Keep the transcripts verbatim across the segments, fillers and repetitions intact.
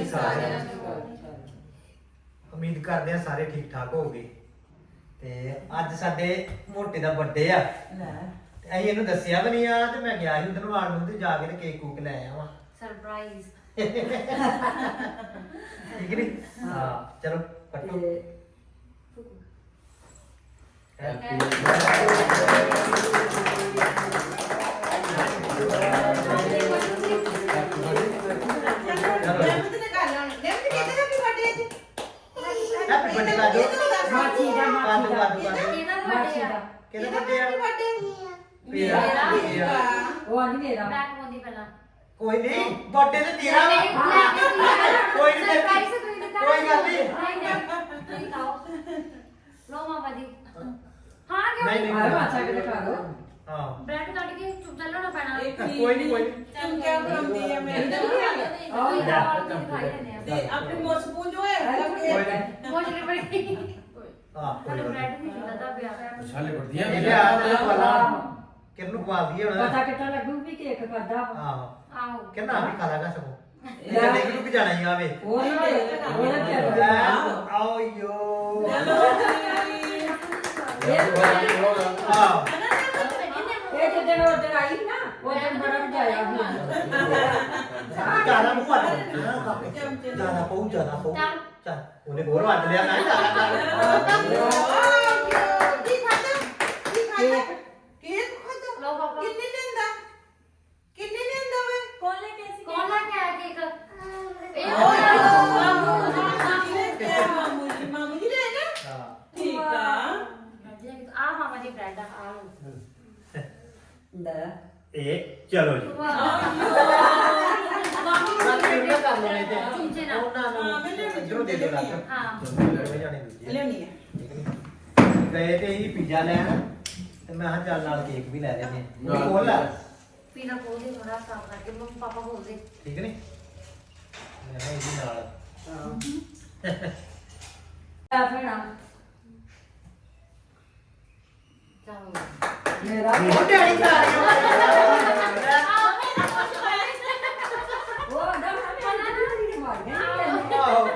ਜੀ ਸਾਰਿਆਂ ਨੂੰ। ਉਮੀਦ ਕਰਦੇ ਆ ਸਾਰੇ ਠੀਕ ਠਾਕ ਹੋਗੇ। ਤੇ ਅੱਜ ਸਾਡੇ ਮੋਟੇ ਦਾ ਬਰਥਡੇ ਆ ਤੇ ਅਸੀਂ ਇਹਨੂੰ ਦੱਸਿਆ ਵੀ ਨਹੀਂ ਆ ਤੇ ਮੈਂ ਗਿਆ ਸੀ ਉਧਰ ਵਾਲ ਨੂੰ ਤੇ ਜਾ ਕੇ ਤੇ ਕੇਕ ਕੂਕ ਲੈ ਆਇਆ ਵਾ ਸਰਪ੍ਰਾਈਜ਼। ਠੀਕ ਨੀ ਹਾਂ ਚਲੋ ਕੱਟੋ। ਹੈਪੀ ਬਰਥਡੇ ਦਾ ਜੋ ਮਾਚੀ ਦਾ ਮਾਚੀ ਦਾ ਮਾਚੀ ਦਾ ਕਿਹਦਾ ਬਰਥਡੇ ਆ ਮੇਰਾ ਉਹ ਆਂਦੀ ਮੇਰਾ ਮੈਂ ਕਮਾਉਂਦੀ ਪਹਿਲਾਂ। ਕੋਈ ਨਹੀਂ ਬਰਥਡੇ ਤੇ ਤੇਰਾ ਵਾ। ਕੋਈ ਨਹੀਂ ਸਰਪ੍ਰਾਈਜ਼ ਤੁਸੀਂ ਦਿਖਾ ਕੋਈ ਗੱਲ ਨਹੀਂ। ਨਹੀਂ ਨਹੀਂ ਤੁਸੀਂ ਖਾਓ ਲੋ ਮਾਮਾ ਜੀ। ਹਾਂ ਕਿਉਂ ਨਹੀਂ, ਨਹੀਂ। ਆਹ ਮਾਚਾ ਕੇ ਦਿਖਾ ਦੋ। ਹਾਂ ਬ੍ਰੈਡ ਕੱਢ ਕੇ ਚੁੱਪ ਚੱਲਣਾ ਪੈਣਾ। ਕੋਈ ਨਹੀਂ ਕੋਈ ਨਹੀਂ ਤੂੰ ਕਿਆ ਬਣਾਉਂਦੀ ਆ ਮੈਂ ਆਹ ਦਾਲ ਦਿਖਾਈ ਜਾਂਦੇ ਆ ਤੇ ਆਪਣੇ ਮੁੱਛ ਪੂੰਝ ਹੋਏ ਕੋਈ ਨਹੀਂ ਮੋਜੇ ਬੜੀ ਹਾਂ ਕੋਈ ਸਾਡਾ ਗੱਲ ਬ੍ਰੈਡ ਨਹੀਂ ਹੁੰਦਾ ਪਿਆ। ਛਾਲੇ ਵਰਦੀਆਂ ਨਹੀਂ ਇਹ ਆ ਤੇ ਵਾਲਾ ਕਿਰਨ ਖਵਾ ਦਈਏ ਹੁਣ ਪਤਾ ਕਿੱਦਾਂ ਲੱਗੂ ਵੀ ਕੇਕ ਖਾਦਾ ਵਾ। ਆਹੋ ਆਓ ਕਿੰਨਾ ਵੀ ਖਾ ਲਾਗਾ ਸਗੋਂ ਇਹ ਤਾਂ ਦੇਖ ਲੂ ਕਿ ਜਾਣਾ ਹੀ ਆਵੇ ਉਹ ਨਾ ਉਹ ਨਾ ਚੱਲ ਆਓ ਯੋ ਆਹ ਇਹ ਜਦੋਂ ਉਹ ਦਿਨ ਆਈ ਸੀ ਨਾ ਉਹ ਦਿਨ ਬੜਾ ਮਜਾਇਆ ਜਿਆਦਾ ਮੂੰਹ ਵੱਟ ਜਿਆਦਾ ਪਊ ਜਿਆਦਾ ਪਊ ਚੱਲ ਉਹਨੇ ਹੋਰ ਵੱਟ ਲਿਆ ਨਾ ਜਿਆਦਾ ਕੀ ਖਾਦਾ ਕੀ ਖਾਦਾ ਕੇਕ ਕੇਕ ਖਾਦਾ ਲੋ ਪਾਪਾ ਕਿੰਨੇ ਲੈਂਦਾ ਕਿੰਨੇ ਲੈਂਦਾ ਵੇ ਕੌਣ ਲੈ ਕੇ ਸੀ ਕੌਣ ਲੈ ਕੇ ਆਇਆ ਕੇਕ ਇਹ ਮਾਮੂ ਜੀ ਮਾਮੂ ਜੀ ਲੈ ਨਾ ਹਾਂ ਠੀਕ ਆ ਆ ਮਾਮਾ ਜੀ ਬ੍ਰੈਡ ਆ ਲੋ ਲੈ ਇਹ ਚਲੋ ਜੀ ਮਾਮੀ ਮੈਂ ਕਿਹਨੂੰ ਨਾ ਕਰ ਲੈਣੇ ਤੇ ਚੁੰਚੇ ਨਾਲ ਉਹਨਾਂ ਨੂੰ ਇਧਰੋਂ ਦੇ ਦੇ ਲੱਗ ਹਾਂ ਦੋਵੇਂ ਜਾਣੇ ਦੂਜੇ ਲਿਆਉਣੀ ਹੈ ਗਏ ਤੇ ਹੀ ਪੀਜ਼ਾ ਲੈਣ ਤੇ ਮੈਂ ਹਾਂ ਚੱਲ ਨਾਲ ਕੇਕ ਵੀ ਲੈ ਲੈਨੇ ਉਹ ਕੋਲ ਲੈ ਪੀਣਾ ਕੋਲ ਦੇ ਥੋੜਾ ਸਾਫ ਕਰਕੇ ਮੰਮੀ ਪਾਪਾ ਬੋਲਦੇ ਠੀਕ ਨਹੀਂ ਮੈਂ ਕਿਹਾ ਇਹਦੇ ਨਾਲ ਆ ਫੇਣਾ ਚਲੋ ਮੇਰਾ ਉਹ ਡੈਡੀ ਖਾ ਉਹ ਆਂਦਾ ਮੈਂ ਮਾਰ ਗਿਆ ਆਹੋ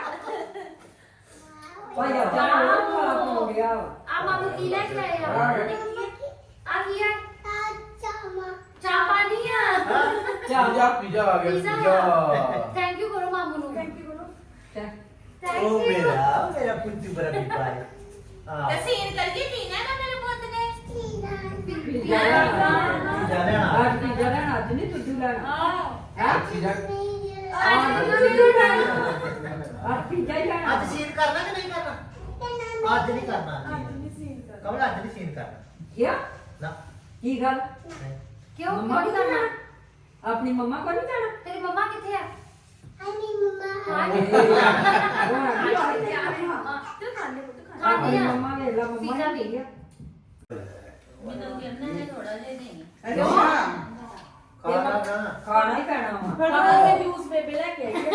ਭਾਈ ਆ ਜਾ ਉਹ ਹੋ ਗਿਆ ਆ ਮਾਮੂ ਕੀ ਲੈ ਕੇ ਆਏ ਆ ਆ ਕੀ ਹੈ ਚਾਹ ਪਾਣੀ ਆ ਪੀਜ਼ਾ ਪੀਜ਼ਾ ਆ ਗਿਆ ਪੀਜ਼ਾ ਥੈਂਕ ਯੂ ਕਰੋ ਮਾਮੂ ਨੂੰ ਥੈਂਕ ਯੂ ਕਰੋ ਉਹ ਮੇਰਾ ਮੇਰਾ ਪੁੱਤੂ ਬੜਾ ਬੀਬਾ ਹੈ ਹਾਂ ਸੀਨ ਕਰਕੇ ਪੀਣਾ ਨਾ ਮੇਰੇ ਪੁੱਤ ਨੇ ਪੀਜ਼ਾ ਪੀਜ਼ਾ ਲੈਣਾ ਅੱਜ ਪੀਜ਼ਾ ਲੈਣਾ ਅੱਜ ਨਹੀਂ ਤੁੱਜੂ ਲੈਣਾ ਹਾਂ ਪੀਜ਼ਾ ਅੱਜ ਪੀਜ਼ਾ ਹੀ ਲੈਣਾ ਅੱਜ ਸੀਨ ਕਰਨਾ ਕਿ ਨਹੀਂ ਕਰਨਾ ਅੱਜ ਨਹੀਂ ਕਰਨਾ ਕਮਲ ਅੱਜ ਨਹੀਂ ਸੀਨ ਕਰਨਾ ਕਿਆ ਨਾ ਕੀ ਗੱਲ ਨਹੀਂ। ਕਿਉਂ ਮੰਮਾ ਕਿਉਂ ਕੋਲ ਨਹੀਂ ਕਰਨਾ ਜਾਣਾ ਆਪਣੀ ਮੰਮਾ ਕੋਲ ਨਹੀਂ ਜਾਣਾ ਤੇਰੀ ਮੰਮਾ ਕਿੱਥੇ ਆ ਤੂੰ ਖਾਣੇ ਪੁੱਤ ਖਾਣੇ ਆਪਣੀ ਮੰਮਾ ਵੇਖ ਲਾ ਮੰਮਾ ਪੀਜ਼ਾ ਹੀ ਵੀ ਆ ਮੈਨੂੰ ਕਹਿੰਦਾ ਹੈ ਥੋੜਾ ਜਿਹਾ ਨਹੀਂ ਖਾਣਾ ਨਾ ਖਾਣਾ ਹੀ ਪੈਣਾ ਵਾ ਪਾਪਾ ਦੇ ਜੂਸ ਬੇਬੇ ਲੈ ਕੇ ਆਈ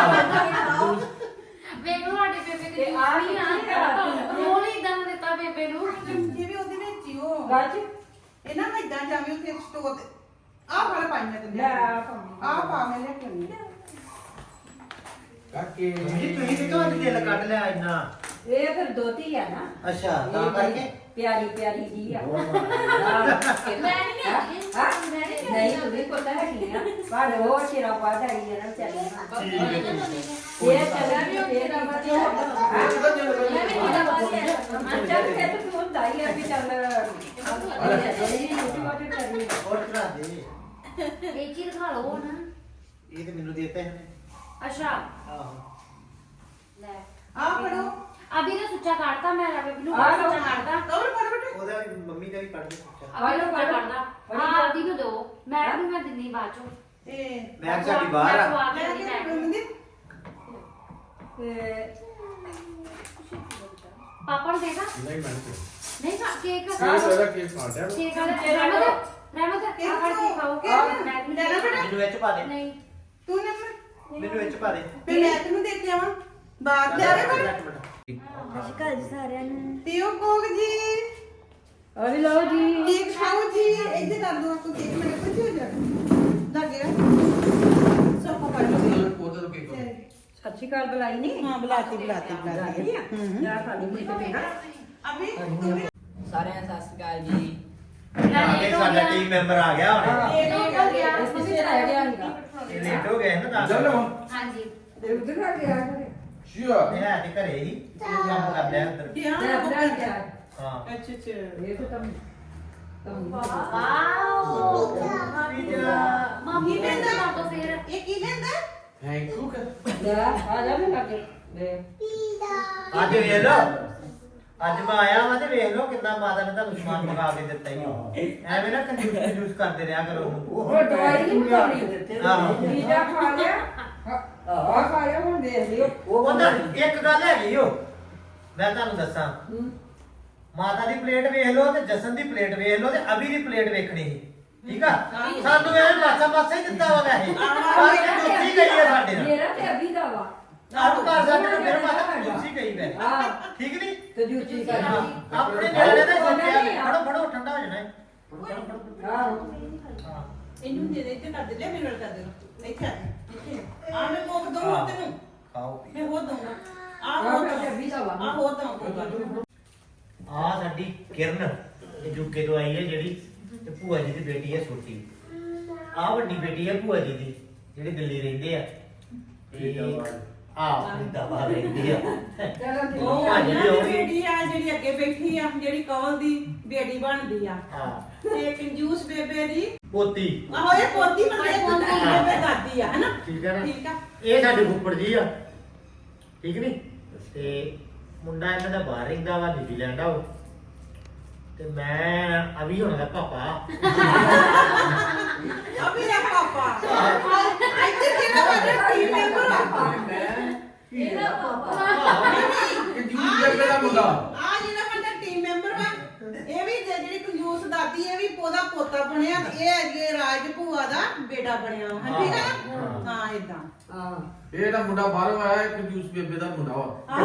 ਵੇਖ ਲਓ ਸਾਡੇ ਬੇਬੇ ਤੇ ਤੇ ਆ ਆ ਵੀ ਨਹੀਂ ਆ। ਆ ਰੋਲ ਹੀ ਇਦਾਂ ਦਾ ਦਿੱਤਾ ਬੇਬੇ ਨੂੰ ਇਹ ਵੀ ਉਹਦੇ ਵਿੱਚ ਹੀ ਉਹ ਗੱਜ ਇਹ ਨਾ ਮੈਂ ਇਦਾਂ ਜਾਵੀਂ ਉੱਥੇ ਸਟੋਰ ਤੇ ਆਹ ਫੜ ਪਾਈ ਮੈਂ ਤੈਨੂੰ ਲੈ ਆ ਭਾਵੇਂ। ਆਹ ਪਾ ਮੈਂ ਲੈ ਕੇ ਆਉਂਦੀ ਹਾਂ। ਕਾਕੇ ਜੀ ਤੁਸੀਂ ਕਿਉਂ ਅੱਜ ਦਿਲ ਕੱਢ ਲਿਆ ਇੰਨਾ ਇਹ ਫਿਰ ਦੋਤੀ ਆ ਨਾ ਅੱਛਾ ਤਾਂ ਇਹ ਬੜੀ ਕਰਕੇ ਪਿਆਰੀ ਪਿਆਰੀ ਜੀ ਆ ਮੈਂ ਨਹੀਂ ਲਿਆਉਂਦੀ ਹਾਂ? ਮੈਂ ਨਹੀਂ ਲਿਆਉਂਦੀ। ਨਹੀਂ ਤੂੰ ਵੀ ਪਤਾ ਹੈਗੀ ਆ ਪਰ ਉਹ ਸ਼ੇਰਾ ਬਾਦ ਆਈ ਆ ਨਾ ਚੱਲੀ ਇਹ ਚੱਲਿਆ ਵੀ ਉਹ ਸ਼ੇਰਾ ਬਾਦ ਚੱਲ ਕੇ ਤੂੰ ਹੁੰਦਾ ਹੀ ਆ ਵੀ ਚੱਲ ਇਹ ਛੋਟੀ ਬਾਤ ਕਰੀ ਹੋਰ ਕਰਾ ਦੇ ਇਹ ਚੀਜ਼ ਖਾ ਲਓ ਨਾ ਇਹ ਤੇ ਮੈਨੂੰ ਦੇਤੇ ਹਨ ਅੱਛਾ ਆਹੋ ਲੈ ਆਹ ਫੜੋ ਅਭੀ ਨੇ ਸੁੱਚਾ ਕੱਢਤਾ ਮੈਂ ਰਵੇ ਬਲੂ ਆਹ ਲਓ। ਸੁੱਚਾ ਕੱਢਦਾ ਕਵਰ ਫੜ ਬੇਟੇ ਉਹਦਾ ਵੀ ਮੰਮੀ ਦਾ ਵੀ ਕੱਢ ਦੇ ਸੋਚਿਆ ਅਭੀ ਨੇ ਸੁੱਚਾ ਆਹ ਲਓ। ਕੱਢਦਾ ਹਾਂ ਅਭੀ ਨੂੰ ਦੋ ਮੈਂ ਵੀ ਮੈਂ ਦਿੰਨੀ ਬਾਅਦ ਚੋਂ ਇਹ ਮੈਂ ਸਾਡੀ ਬਾਹਰ ਆ ਖਵਾ ਕੇ ਮੈਂ ਦਿੰਦੀ ਕਿਹਾ ਮੈਂ ਮੰਦੀ ਤੇ ਪਾਪਾ ਨੂੰ ਦੇਗਾ ਨਹੀਂ ਮੈਂ ਨਹੀਂ ਖਾ ਕੇਕ ਕੇਕ ਉਹਦਾ ਕੇਕ ਖਾਂਦਾ ਕੇਕ ਵਾਲਾ ਰਹਿਮਤ ਰਹਿਮਤ ਆ ਖੜ ਕੇ ਖਾਓ ਮੈਂ ਵੀ ਲੈ ਲੈ ਬੇਟਾ। ਮੈਨੂੰ ਵਿੱਚ ਪਾ ਦੇ ਨਹੀਂ ਤੂੰ ਨਾ ਮੈਨੂੰ ਵਿੱਚ ਪਾ ਦੇ ਫਿਰ ਮੈਂ ਤੈਨੂੰ ਦੇ ਕੇ ਆਵਾਂ ਬਾਅਦ ਲੈ ਆਵੇ ਪਰ ਅਸ਼ਕਾ ਜੀ ਸਾਰਿਆਂ ਨੂੰ ਪੀਓ ਕੋਕ ਜੀ ਆ ਵੀ ਲਓ ਜੀ ਕੇਕ ਖਾਓ ਜੀ ਇੱਥੇ ਕਰ ਦੋ ਆਪਕੋ ਕੇਕ ਮੇਰੇ ਕੁਝ ਹੋ ਜਾਣਾ ਲੱਗ ਗਿਆ ਸੋਫਾ ਪਰ ਲਓ ਉਹਦਾ ਕੇਕ ਸਤਿ ਸ਼੍ਰੀ ਅਕਾਲ ਬੁਲਾਈ ਨਹੀਂ ਹਾਂ ਬੁਲਾਤੀ ਬੁਲਾਤੀ ਬੁਲਾਤੀ ਬੁਲਾਈ ਆ ਜਾ ਸਾਡੀ ਮੁੰਡੇ ਤੇ ਬੇਟਾ ਅਭੀ ਤੂੰ ਵੀ ਸਾਰਿਆਂ ਨੂੰ ਸਤਿ ਸ਼੍ਰੀ ਅਕਾਲ ਜੀ। ਆ ਕੇ ਸਾਡਾ ਟੀਮ ਮੈਂਬਰ ਆ ਗਿਆ ਹੁਣ ਇਹ ਹੋ ਗਿਆ ਇਸ ਪਿੱਛੇ ਰਹਿ ਗਿਆ ਸੀਗਾ ਇਹ ਲੇਟ ਹੋ ਗਏ ਨਾ ਦੱਸ ਚਲੋ ਹਾਂਜੀ ਤੇ ਉਧਰ ਆ ਗਿਆ ਘਰੇ ਸ਼ੀਆ ਇਹ ਹੈ ਤੇ ਘਰੇ ਹੀ ਇਹ ਕੰਮ ਕਰ ਲਿਆ ਅੰਦਰ ਧਿਆਨ ਤੇ ਰੱਖੋ ਆਪਣਾ ਗਿਆ ਹਾਂ ਅੱਛਾ ਅੱਛਾ ਇਹ ਤਾਂ ਤਮ ਤਮ ਵਾਓ ਮੰਮੀ ਨੇ ਤਾਂ ਤੋਂ ਫਿਰ ਇਹ ਕੀ ਲੈਂਦਾ ਥੈਂਕ ਯੂ ਲੈ ਆ ਜਾ ਮੈਂ ਲੱਗੇ ਦੇ ਅੱਜ ਵੇਖ ਲੋ ਅੱਜ ਮੈਂ ਆਇਆ ਵਾਂ ਤੇ ਵੇਖ ਲੋ ਕਿੰਨਾ ਮਾਤਾ ਨੇ ਤੁਹਾਨੂੰ ਸਮਾਨ ਮੰਗਾ ਕੇ ਦਿੱਤਾ ਹੀ ਐਵੇਂ ਨਾ ਕੰਜੂਸ ਕੰਜੂਸ ਕਰਦੇ ਰਿਹਾ ਕਰੋ ਉਹਨੂੰ ਉਹ ਦਵਾਈ ਨਹੀਂ ਖਾਣੀ ਆਹੋ ਪੀਜ਼ਾ ਖਾ ਲਿਆ ਆ ਖਾ ਲਿਆ ਹੁਣ ਦੇਖ ਲਿਓ ਉਹਦਾ ਇੱਕ ਗੱਲ ਹੈਗੀ ਓ ਮੈਂ ਤੁਹਾਨੂੰ ਦੱਸਾਂ ਹੂੰ ਮਾਤਾ ਦੀ ਪਲੇਟ ਵੇਖ ਲਓ ਤੇ ਜਸਨ ਦੀ ਪਲੇਟ ਵੇਖ ਲਓ ਤੇ ਅਭੀ ਦੀ ਪਲੇਟ ਵੇਖਣੀ ਸੀ ਠੀਕ ਆ ਸਾਨੂੰ ਇਹ ਮਾਸਾ ਮਾਸਾ ਹੀ ਦਿੱਤਾ ਵਾ ਵੈਸੇ ਪਰ ਕੰਜੂਸੀ ਗਈ ਹੈ ਸਾਡੇ ਨਾਲ ਮੇਰਾ ਤੇ ਅਭੀ ਦਾ ਵਾ ਆਪ ਘਰ ਜਾ ਕੇ ਮੇਰੇ ਮਾਤਾ ਕੰਜੂਸੀ ਗਈ ਵੈ ਹਾਂ ਠੀਕ ਨਹੀਂ ਤੇ ਜੂਚੀ ਕਰ ਹਾਂ, ਆਪਣੇ ਨਿਆਣੇ ਦਾ ਸੋਚਿਆ ਫੜੋ ਫੜੋ ਠੰਡਾ ਹੋ ਜਾਣਾ ਹੈ ਹਾਂ ਹਾਂ ਇਹਨੂੰ ਦੇ ਦੇ ਇੱਥੇ ਕਰ ਦੇ ਲੈ ਮੇਰੇ ਨਾਲ ਕਰ ਦੇ ਇੱਥੇ ਆ ਇੱਥੇ ਆ ਮੈਂ ਕੋਕ ਦਊਂ ਤੈਨੂੰ ਖਾਓ ਮੈਂ ਹੋਰ ਦਊਂਗਾ ਆ ਆਹ ਹੋਰ ਤੇ ਅਭੀ ਦਾ ਵਾ ਆ ਹੋਰ ਦਊਂਗਾ ਆ ਸਾਡੀ ਕਿਰਨ ਇਹ ਯੂਕੇ ਤੋਂ ਆਈ ਹੈ ਜਿਹੜੀ ਤੇ ਭੂਆ ਜੀ ਦੀ ਬੇਟੀ ਹੈ ਛੋਟੀ ਆ ਵੱਡੀ ਬੇਟੀ ਹੈ ਭੂਆ ਜੀ ਦੀ ਜਿਹੜੇ ਦਿੱਲੀ ਰਹਿੰਦੇ ਆ ਆ ਫਰੀਦਾਬਾਦ ਰਹਿੰਦੇ ਆ ਚਲੋ ਠੀਕ ਉਹ ਹਾਂ, ਜਿਹੜੀ ਜਿਹੜੀ ਹੋਊਗੀ। ਬੇਟੀ ਆ ਜਿਹੜੀ ਅੱਗੇ ਬੈਠੀ ਆ ਜਿਹੜੀ ਕਵਲ ਦੀ ਬੇਟੀ ਬਣਦੀ ਆ ਹਾਂ ਤੇ ਕੰਜੂਸ ਬੇਬੇ ਦੀ ਪੋਤੀ ਆਹੋ ਇਹ ਪੋਤੀ ਮਤਲਬ ਪੋਤੀ ਬੇਬੇ ਦਾਦੀ ਆ ਹੈਨਾ ਠੀਕ ਹੈ ਨਾ ਠੀਕ ਆ ਇਹ ਸਾਡੇ ਫੁੱਫੜ ਜੀ ਆ ਠੀਕ ਨਹੀਂ ਤੇ ਮੁੰਡਾ ਇਹਨਾਂ ਦਾ ਬਾਹਰ ਰਹਿੰਦਾ ਵਾ ਨਿਊਜ਼ੀਲੈਂਡ ਆ ਉਹ ਤੇ ਮੈਂ ਅਭੀ ਹੋਣਾ ਦਾ ਪਾਪਾ ਅਭੀ ਦਾ ਪਾਪਾ ਇੱਥੇ ਕਿਹੜਾ ਵੱਡਾ ਟੀਮ ਮੈਂਬਰ ਆ ਇਹਦਾ ਪਾਪਾ ਕੰਜੂਸ ਜੱਗੇ ਦਾ ਮੁੰਡਾ ਆ ਜਿਹੜਾ ਵੱਡਾ ਟੀਮ ਮੈਂਬਰ ਵਾ ਇਹ ਵੀ ਜੇ- ਜਿਹੜੀ ਕੰਜੂਸ ਦਾਦੀ ਇਹ ਵੀ ਉਹਦਾ ਪੋਤਾ ਬਣਿਆ ਤੇ ਇਹ ਅੱਗੇ ਰਾਜ ਭੂਆ ਦਾ ਬੇਟਾ ਬਣਿਆ ਹਾਂ ਠੀਕ ਆ ਨਾ ਹਾਂ ਇਦਾਂ ਹਾਂ ਇਹ ਤਾਂ ਮੁੰਡਾ ਬਾਹਰੋਂ ਆਇਆ ਇਹ ਕੰਜੂਸ ਬੇਬੇ ਦਾ ਮੁੰਡਾ ਵਾ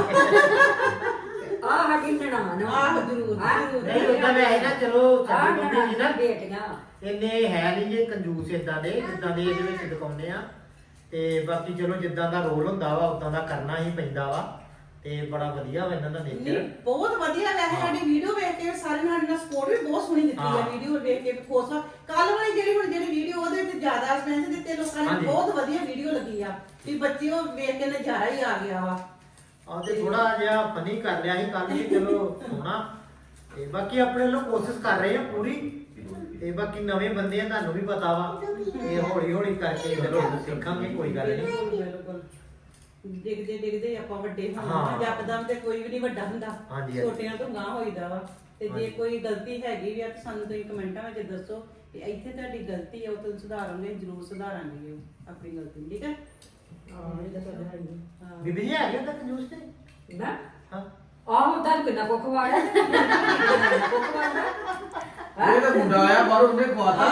ਆ ਸਾਡੀ ਨਨਾਣ ਵਾ ਆਹ ਜ਼ਰੂਰ ਹਾਂ। ਜ਼ਰੂਰ ਨਹੀਂ ਉਦਾਂ ਮੈਂ ਹੈ ਨਾ ਚਲੋ ਆਹ ਸਾਡੀ ਮੰਮੀ ਜੀ ਨਾ ਬੇਟੀਆਂ ਇੰਨੇ ਹੈ ਨਹੀਂ ਜੇ ਕੰਜੂਸ ਇਦਾਂ ਦੇ ਜਿੱਦਾਂ ਦੇ ਇਹਦੇ ਵਿੱਚ ਦਿਖਾਉਂਦੇ ਆ ਤੇ ਬਾਕੀ ਚਲੋ ਜਿੱਦਾਂ ਦਾ ਰੋਲ ਹੁੰਦਾ ਵਾ ਉਦਾਂ ਦਾ ਕਰਨਾ ਹੀ ਪੈਂਦਾ ਵਾ ਤੇ ਬੜਾ ਵਧੀਆ ਵਾ ਇਹਨਾਂ ਦਾ ਨਹੀਂ, ਨੇਚਰ ਬਹੁਤ ਵਧੀਆ ਵੈਸੇ ਸਾਡੀ ਵੀਡੀਓ ਵੇਖ ਕੇ ਸਾਰੇ ਨਾਲ ਨਾਲ ਸਪੋਰਟ ਵੀ ਬਹੁਤ ਸੋਹਣੀ ਦਿੱਤੀ ਹਾਂ। ਆ ਵੀਡੀਓ ਵੇਖ ਕੇ ਖੁਸ਼ ਆ ਕੱਲ ਵਾਲੀ ਜਿਹੜੀ ਹੁਣ ਜਿਹੜੀ ਵੀਡੀਓ ਉਹਦੇ ਵਿੱਚ ਜ਼ਿਆਦਾ ਸਪੈਂਸ ਦਿੱਤੇ ਲੋਕਾਂ ਨੇ ਹਾਂਜੀ। ਬਹੁਤ ਵਧੀਆ ਵੀਡੀਓ ਲੱਗੀ ਆ ਵੀ ਬੱਚੇ ਉਹ ਵੇਖ ਕੇ ਨਜ਼ਾਰਾ ਹੀ ਆ ਗਿਆ ਵਾ ਆ ਤੇ ਥੋੜਾ ਜਿਹਾ ਫਨੀ ਕਰ ਲਿਆ ਸੀ ਕੱਲ ਵੀ ਚਲੋ ਸੋਹਣਾ ਤੇ ਬਾਕੀ ਆਪਣੇ ਵੱਲੋਂ ਕੋਸ਼ਿਸ਼ ਕਰ ਰਹੇ ਆ ਪੂਰੀ ਤੇ ਬਾਕੀ ਨਵੇਂ ਬੰਦੇ ਆ ਤੁਹਾਨੂੰ ਵੀ ਪਤਾ ਵਾ ਤੇ ਹੌਲੀ ਹੌਲੀ ਕਰਕੇ ਚਲੋ ਸਿੱਖਾਂਗੇ ਕੋਈ ਗੱਲ ਨਹੀਂ ਬਿਲਕੁਲ ਡਿੱਗਦੇ ਡਿੱਗਦੇ ਆਪਾਂ ਵੱਡੇ ਹਾਂ। ਹੋਣਾ ਜੱਕਦਮ ਤੇ ਕੋਈ ਵੀ ਨਹੀਂ ਵੱਡਾ ਹੁੰਦਾ ਹਾਂਜੀ, ਹਾਂਜੀ। ਛੋਟਿਆਂ ਤੋਂ ਗਾਂ ਹੋਈਦਾ ਵਾ ਤੇ ਜੇ ਹਾਂਜੀ। ਕੋਈ ਗਲਤੀ ਹੈਗੀ ਵੀ ਆ ਤਾਂ ਸਾਨੂੰ ਤੁਸੀਂ ਕਮੈਂਟਾਂ ਵਿੱਚ ਦੱਸੋ ਕਿ ਇੱਥੇ ਤੁਹਾਡੀ ਗਲਤੀ ਹੈ ਉਹ ਤੋਂ ਸੁਧਾਰਾਂਗੇ ਜ਼ਰੂਰ ਸੁਧਾਰਾਂਗੇ ਉਹ ਆਪਣੀ ਗਲਤੀ ਠੀਕ ਹੈ ਹਾਂ ਇਹ ਤਾਂ ਸਾਡਾ ਹੈ ਹੀ ਹਾਂ। ਬੀਬੀ ਜੀ ਆ ਗਿਆ ਤਾਂ ਕੰਜੂਸ ਤੇ ਨਾ ਹਾਂ ਆਹ ਹੁੰਦਾ ਕਿੰਨਾ ਕੁੱਖ ਵਾੜਾ ਕੁੱਖ ਵਾੜਾ ਇਹ ਤਾਂ ਮੁੰਡਾ ਆਇਆ ਬਾਹਰੋਂ ਉਹਨੇ ਖਵਾਤਾ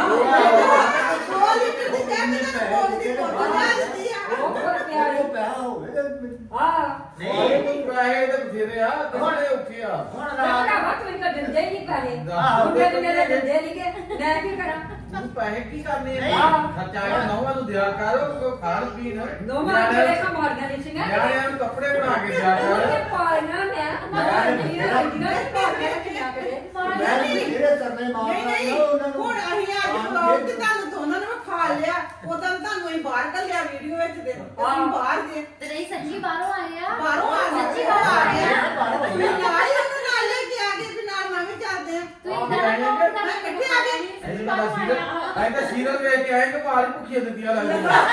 ਕੋਲ ਹੀ ਕਿਤੇ ਕਹਿੰਦੇ ਨਾ ਕੋਲ ਦੀ ਫੋਟੋ ਲਾ ਦਿੱਤੀ ਆ ਉਹ ਫਿਰ ਪਿਆਰੇ ਆ ਨਹੀਂ ਇਹ ਪੈਸੇ ਤਾਂ ਬਥੇਰੇ ਆ ਤੁਹਾਡੇ ਔਖੇ ਆ ਹੁਣ ਮੈਂ ਰਾਤ ਭਰਾਵਾ ਤੂੰ ਤਾਂ ਦਿੰਦੇ ਹੀ ਨਹੀਂ ਪੈਸੇ ਆਹੋ। ਮੁੰਡੇ ਤੇ ਮੇਰੇ ਦਿੰਦੇ ਨਹੀਂ ਕਿ ਮੈਂ ਕੀ ਕਰਾਂ ਤੂੰ ਪੈਸੇ ਕੀ ਕਰਨੇ ਨਹੀਂ। ਆ ਖਰਚਾ ਆ ਨੌਵਾਂ ਨੂੰ ਦਿਆ ਕਰ ਉਹ ਖਾਣ ਪੀਣ ਨੋਮਾ ਜਿਹੜੇ ਕਮਾਰੀਆਂ ਨਹੀਂ ਸੀਗਾ ਨਿਆਣਿਆਂ ਨੂੰ ਕੱਪੜੇ ਬਣਾ ਕੇ ਦਿਆ ਕਰ ਉਹਨੇ ਪਾਲਣਾ ਮੈਂ ਮਾਰ ਨਹੀਂ ਰੱਖੀਆਂ ਪਾ ਕੇ ਰੱਖਿਆ ਕਰੇ ਮੈਂ ਜਿਹੜੇ ਕਰਨੇ ਮਾਰ ਨਹੀਂ ਨਹੀਂ ਹੁਣ ਅਸੀਂ ਅੱਜ ਵਲੌਗ ਤੇ ਤੁਹਾਨੂੰ ਦੋਨਾਂ ਨੂੰ ਖਾ ਲਿਆ ਉਦੋਂ ਤੁਹਾਨੂੰ ਅਸੀਂ ਬਾਹਰ ਕੱਲਿਆ ਵੀਡੀਓ ਵਿੱਚ ਦੇ ਅਸੀਂ ਬਾਹਰ ਦੇ ਤੇ ਨਹੀਂ ਸੱਚੀ ਬਾਹਰੋਂ ਆਏ ਆ ਬਾਹਰੋਂ ਆ ਗਏ ਸੱਚੀ ਬਾਹਰੋਂ ਆ ਗਏ ਬਾਹਰੋਂ ਆਏ ਮੈਂ ਨਾਲ ਹੀ ਉਹਨੂੰ ਨਾਲ ਲੈ ਕੇ ਆ ਗਏ ਵੀ ਨਾਲ ਮੈਂ ਵੀ ਚੱਲਦੇ ਆ ਤੁਸੀਂ ਇਦਾਂ ਨਾ ਕਹੋ ਤਾਂ ਕਿੱਥੇ ਆ ਗਏ? ਐਸੇ ਤਾਂ ਸੀਰਤ ਐਂ ਤਾਂ ਸੀਰਤ ਵੇਖ ਕੇ ਆਏ ਕਿ ਭਾਰੀ ਭੁੱਖੀਆਂ ਦਿੱਤੀਆਂ ਲੱਗਦੀਆਂ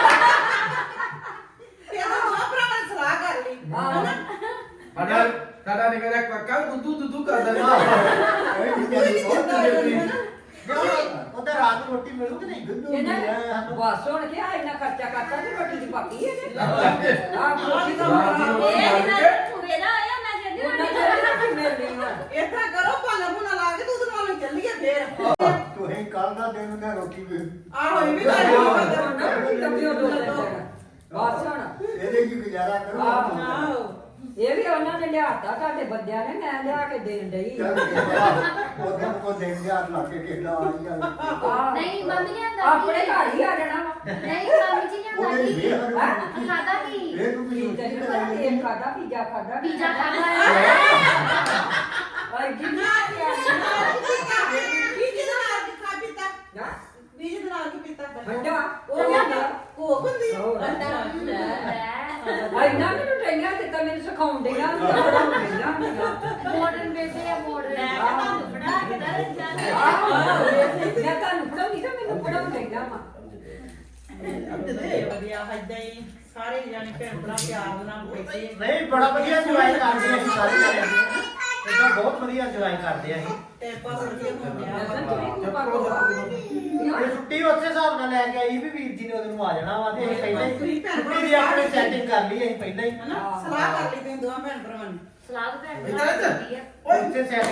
ਤੇ ਅਸੀਂ ਦੋਵਾਂ ਭਰਾਵਾਂ ਨੇ ਸਲਾਹ ਕਰ ਲਈ ਹਨਾ ਸਾਡਾ ਸਾਡਾ ਨਿਕਲ ਰਿਹਾ ਕਾਕਾ ਦੁੱਧੂ ਦੁੱਧੂ ਕਰਦਾ ਕੋਈ ਨਹੀਂ ਬਹੁਤ ਜਲਦੀ ਉਹਦਾ ਰਾਤ ਨੂੰ ਰੋਟੀ ਮਿਲੂ ਕਿ ਨਹੀਂ ਇਹਨਾਂ ਬਸ ਹੁਣ ਕਿ ਆ ਇੰਨਾ ਖਰਚਾ ਕਰਤਾ ਤੇ ਰੋਟੀ ਦੀ ਪੱਕੀ ਹੈ ਆ ਰੋਟੀ ਦਾ ਮੁਕਾਬਲਾ ਇਹ ਇਹਨਾਂ ਪੂਰੇ ਨਾ ਆਇਆ ਮੈਂ ਕਹਿੰਦੀ ਉਹਨਾਂ ਹਾਂ ਜਿਹੜੇ ਕਿ ਮਿਲਣੀ ਵਾ ਏਦਾਂ ਕਰੋ ਭਾਲਾ ਭੁਨਾ ਲਾ ਕੇ ਦੁੱਧ ਨਾਲ ਚੱਲੀਏ ਫੇਰ ਤੁਸੀਂ ਕੱਲ ਦਾ ਦਿਨ ਉਹਨੇ ਰੋਟੀ ਵੀ ਆਹੋ ਇਹ ਵੀ ਗੱਲ ਹੋ ਤਬੀਓ ਦੋ ਬਸ ਹੁਣ ਇਹਦੇ ਕੀ ਗੁਜ਼ਾਰਾ ਕਰੋ ਆਹ। ਆਹੋ ਇਹ ਵੀ ਉਹਨਾਂ ਨੇ ਲਿਆਤਾ ਤੁਹਾਡੇ ਬੰਦਿਆਂ ਨੇ ਮੈਂ ਲਿਆ ਕੇ ਦੇਣ ਡਈ ਚੱਲ ਗਿਆ। ਉਹਦੇ ਕੋ ਦੇਖ ਗਿਆ ਲਾ ਕੇ ਕਿਹਦਾ ਆ ਗਿਆ ਨਹੀਂ ਮੰਮੀ ਨੇ ਆਂਦਾ ਆਪਣੇ ਘਰ ਹੀ ਆ ਜਾਣਾ ਵਾ ਨਹੀਂ ਮੰਮੀ ਜੀ ਨੇ ਆਂਦਾ ਉਹਦੇ ਕਿ ਵੇਖ ਖਾਦਾ ਕੀ ਇਹ ਤੂੰ ਕੀ ਤੈਨੂੰ ਪਤਾ ਤੇਲ ਖਾਦਾ ਪੀਜ਼ਾ ਖਾਦਾ ਪੀਜ਼ਾ ਖਾਦਾ ਔਰ ਜਿੰਨਾ ਵੀ ਜਿਹਦੇ ਨਾਲ ਕੀ ਖਾ ਪੀਤਾ ਨਾ ਵੀ ਜਿਹਦੇ ਨਾਲ ਕੀ ਪੀਤਾ ਵੱਡਾ ਉਹ ਹੁੰਦਾ ਕੋਕ ਹੁੰਦੀ ਆ। ਹੋਰ। ਲੈ ਆਈ ਨਾ ਮੈਨੂੰ ਟ੍ਰੇਨਿੰਗ ਦਿੱਤਾ ਮੈਨੂੰ ਸਿਖਾਉਣ ਦੇਗਾ ਪੜਾਉਂਦੇਗਾ ਮਾਡਰਨ ਬੇਬੇ ਆ ਮਾਡਰਨ ਆਹ। ਬਣਾ ਕੇ ਦੱਸ ਜਾਂਦੇ ਮੈਂ ਤੁਹਾਨੂੰ ਪੜਾਉਂਦੀ ਤਾਂ ਮੈਨੂੰ ਪੜਾਉਂਦੇਗਾ ਵਾ ਤੇ ਵਧੀਆ ਏਦਾਂ ਹੀ ਸਾਰੇ ਜਾਣੇ ਭੈਣ ਭਰਾ ਪਿਆਰ ਨਾਲ ਬੈਠੇ ਨਹੀਂ ਬੜਾ ਵਧੀਆ ਇੰਜੋਏ ਕਰਦੇ ਅਸੀਂ ਸਾਰੇ ਜਣੇ ਇਦਾਂ ਬਹੁਤ ਵਧੀਆ ਇੰਜੋਏ ਕਰਦੇ ਅਸੀਂ ਤੇ ਪਾਸ ਵਧੀਆ ਹੁੰਦਿਆ ਇਹ ਛੁੱਟੀ ਉਸੇ ਹਿਸਾਬ ਨਾਲ ਲੈ ਕੇ ਆਈ ਵੀ ਵੀਰ ਜੀ ਨੇ ਉਹਦੇ ਨੂੰ ਆ ਜਾਣਾ ਵਾ ਤੇ ਅਸੀਂ ਪਹਿਲਾਂ ਹੀ ਛੁੱਟੀ ਦੀ ਆਪਣੀ ਸੈਟਿੰਗ ਕਰ ਲਈ ਅਸੀਂ ਪਹਿਲਾਂ ਹੀ ਹਨਾ ਸਲਾਹ ਕਰ ਲਈ ਤੁਸੀਂ ਦੋਵਾਂ ਭੈਣ ਭਰਾਵਾਂ ਨੇ ਸਲਾਦ ਭੈਣ ਬਣਾ ਦਿੱਤੀ ਆ ਉੱਥੇ ਸੈਟ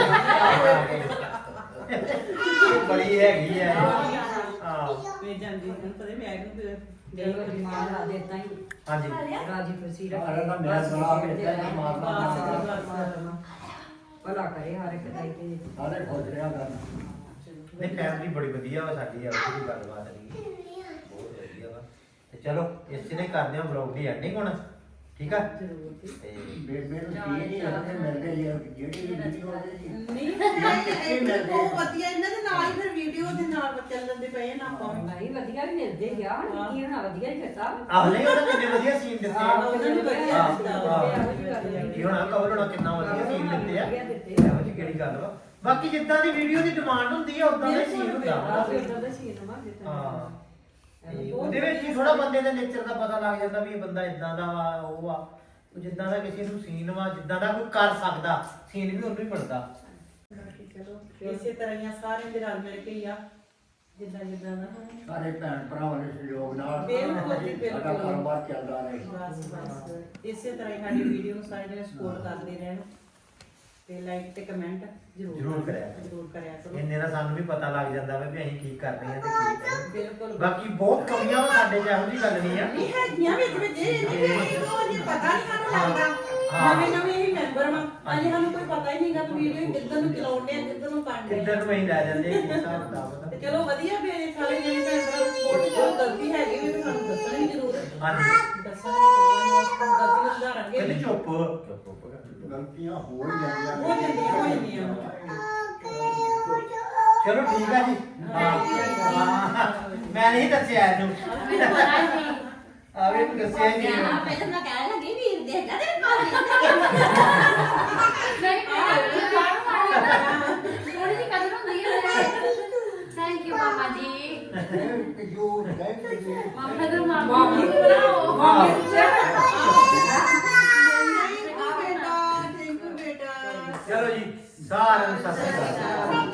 ਬੜੀ ਹੈਗੀ ਆ ਇਹ। ਹਾਂ ਵੇ ਜਾਂਦੀ ਹੁਣ ਪਤਾ ਮੈਂ ਕਿ ਦੇਖੋ ਦਿਮਾਗ ਲਾ ਦੇਤਾ ਹੀ ਹਾਂਜੀ ਰਾਜੀ ਖੁਸ਼ੀ ਸਾਰਾ ਦਾ ਮੈਂ ਬਣਾ ਕੇ ਦਿੱਤਾ ਮਾਰਨਾ ਭਲਾ ਕਰੇ ਹਰ ਇੱਕ ਦਾ ਹੀ ਤੇ ਸਾਰੇ ਖੁਸ਼ ਰਿਹਾ ਕਰਨਾ ਨਹੀਂ ਫੈਮਿਲੀ ਬੜੀ ਵਧੀਆ ਵਾ ਸਾਡੀ ਆ ਉਹਦੀ ਗੱਲਬਾਤ ਨਹੀਂ ਬਹੁਤ ਵਧੀਆ ਵਾ ਤੇ ਚਲੋ ਇਸ ਨੇ ਕਰਦੇ ਹਾਂ ਵਲੌਗ ਦੀ ਐਂਡਿੰਗ ਹੁਣ ਠੀਕ ਆ ਤੇ ਬੇਬੇ ਨੂੰ ਕੀ ਨਹੀਂ ਆਉਂਦੇ ਮਿਲ ਗਏ ਆ, ਜਿਹੜੀ ਵੀਡੀਓ ਉਹਦੇ ਦੀ ਨਹੀਂ ਇਹ ਉਹ ਵਧੀਆ ਇਹਨਾਂ ਦੇ ਨਾਲ ਹੀ ਫਿਰ ਵੀਡੀਓ ਦੇ ਨਾਲ ਚੱਲਣ ਦੇ ਪਏ ਨਾ ਆਪਾਂ ਵੀ। ਨਹੀਂ ਵਧੀਆ ਵੀ ਮਿਲਦੇ ਗਿਆ ਹੁਣ ਕੀ ਹੋਣਾ ਵਧੀਆ ਹੀ ਕਰਤਾ ਆਹ ਨਹੀਂ ਉਹਨੇ ਕਿੰਨੇ ਵਧੀਆ ਸੀਨ ਦਿੱਤੇ ਆ ਉਹਨਾਂ ਨੇ ਵਧੀਆ ਹਾਂ, ਦਿੱਤਾ ਹਾਂ। ਕੀ ਹੋਣਾ ਕਵਰ ਹੋਣਾ ਕਿੰਨਾ ਵਧੀਆ ਸੀਨ ਦਿੱਤੇ ਆ ਵਧੀਆ ਦਿੱਤੇ ਇਹੋ ਜਿਹੀ ਕਿਹੜੀ ਗੱਲ ਵਾ ਬਾਕੀ ਜਿੱਦਾਂ ਦੀ ਵੀਡੀਓ ਦੀ ਡਿਮਾਂਡ ਹੁੰਦੀ ਆ ਉਦਾਂ ਦਾ ਹੀ ਸੀਨ ਹੁੰਦਾ ਵਾ ਆਹ ਫਿਰ ਉਹਦਾ ਸੀ ਨਾ ਦਿੱਤਾ ਹਾਂ ਤੇ ਉਹਦੇ ਵਿੱਚ ਹੀ ਥੋੜਾ ਬੰਦੇ ਦੇ ਨੇਚਰ ਦਾ ਪਤਾ ਲੱਗ ਜਾਂਦਾ ਵੀ ਇਹ ਬੰਦਾ ਇਦਾਂ ਦਾ ਵਾ ਉਹ ਆ ਉਹ ਜਿੱਦਾਂ ਦਾ ਕਿਸੇ ਨੂੰ ਸੀਨ ਵਾ ਜਿੱਦਾਂ ਦਾ ਕੋਈ ਕਰ ਸਕਦਾ ਸੀਨ ਵੀ ਉਹਨੂੰ ਹੀ ਬਣਦਾ ਬਾਕੀ ਚਲੋ ਇਸੇ ਤਰ੍ਹਾਂ ਹੀ ਆ, ਸਾਰਿਆਂ ਦੇ ਰਲ ਮਿਲ ਕੇ ਹੀ ਆ ਜਿੱਦਾਂ ਜਿੱਦਾਂ ਦਾ ਸਾਰੇ ਭੈਣ ਭਰਾਵਾਂ ਦੇ ਸਹਿਯੋਗ ਨਾਲ ਬਿਲਕੁਲ ਜੀ, ਬਿਲਕੁਲ। ਸਾਡਾ ਕਾਰੋਬਾਰ ਚੱਲਦਾ ਰਹੇ ਬਸ ਬਸ ਇਸੇ ਤਰ੍ਹਾਂ ਹੀ ਸਾਡੀ ਵੀਡੀਓ ਨੂੰ ਸਾਰੇ ਜਣੇ ਸਪੋਰਟ ਕਰਦੇ ਰਹਿਣ ਤੇ ਲਾਈਕ ਤੇ ਕਮੈਂਟ ਜ਼ਰੂਰ ਜ਼ਰੂਰ ਕਰਿਆ ਕਰੋ। ਜ਼ਰੂਰ ਕਰਿਆ ਕਰੋ ਇੰਨੇ ਨਾਲ ਸਾਨੂੰ ਵੀ ਪਤਾ ਲੱਗ ਜਾਂਦਾ ਵਾ ਵੀ ਅਸੀਂ ਕੀ ਕਰ ਰਹੇ ਹਾਂ ਤੇ ਕੀ ਨਹੀਂ ਬਿਲਕੁਲ ਬਾਕੀ ਬਹੁਤ ਕਮੀਆਂ ਵਾ ਸਾਡੇ ਚ ਇਹੋ ਜਿਹੀ ਗੱਲ ਨਹੀਂ ਆ ਨਹੀਂ ਹੈਗੀਆਂ ਵਿੱਚ ਵਿੱਚ ਇਹ ਨਹੀਂ ਉਹ ਜੀ ਪਤਾ ਨਹੀਂ ਸਾਨੂੰ ਲੱਗਦਾ ਹਾਂ। ਨਵੇਂ ਨਵੇਂ ਹੀ ਮੈਂਬਰ ਵਾਂ ਅਜੇ ਸਾਨੂੰ ਕੋਈ ਪਤਾ ਹੀ ਨਹੀਂਗਾ ਵੀਡੀਓ ਕਿੱਧਰ ਨੂੰ ਚਲਾਉਣੇ ਆ ਕਿੱਧਰ ਨੂੰ ਕਰਨੇ ਕਿੱਧਰ ਆ ਨੂੰ ਅਸੀਂ ਲੈ ਜਾਂਦੇ ਆ ਕੀ ਹਿਸਾਬ ਕਿਤਾਬ ਦਾ ਤੇ ਚਲੋ ਵਧੀਆ ਵੀ ਇਹ ਸਾਰੇ ਜਿਹੜੇ ਭੈਣ ਭਰਾ ਸਪੋਰਟ ਜੋ ਗਲਤੀ ਹੈਗੀ ਵੀ ਸਾਨੂੰ ਦੱਸਣ ਦੀ ਜ਼ਰੂਰ ਹਾਂਜੀ ਦੱਸਣ ਦੀ ਜ਼ਰੂਰ ਗਲਤੀ ਨੂੰ ਸੁਧਾਰਾਂਗੇ ਕਹਿੰਦੇ ਚੁੱਪ ਗਲਤੀਆਂ ਹੋ ਹੀ ਜਾਂਦੀਆਂ ਹੋ ਜਾਂਦੀਆਂ ਹੋ ਜਾਂਦੀਆਂ ਚਲੋ ਠੀਕ ਆ ਜੀ ਹਾਂ ਹਾਂ। ਮੈਂ ਨਹੀਂ ਦੱਸਿਆ ਇਹਨੂੰ ਮੈਨੂੰ ਪਤਾ ਹੀ ਨਹੀਂ ਆ ਵੀ ਇਹਨੂੰ ਦੱਸਿਆ ਹੀ ਨਹੀਂ ਪਹਿਲਾਂ ਮੈਂ ਕਹਿਣ ਲੱਗੀ ਵੀਰ ਦੇਖਦਾ ਤੇਰੇ ਭਾਬੀ ਨਹੀਂ ਥੋੜੀ ਜਿਹੀ ਕਦਰ ਹੁੰਦੀ ਹੈ ਥੈਂਕ ਯੂ ਮਾਮਾ ਜੀ ਜੋ ਥੈਂਕ ਯੂ ਮਾਮਾ ਦਾ ਮਾਮਾ ਨੂੰ ਬਣਾਓ ਹਾਂ। ਥੈਂਕ ਯੂ ਬੇਟਾ ਥੈਂਕ ਯੂ ਬੇਟਾ ਚਲੋ ਜੀ ਸਾਰਿਆਂ ਨੂੰ ਸਤਿ ਸ਼੍ਰੀ ਅਕਾਲ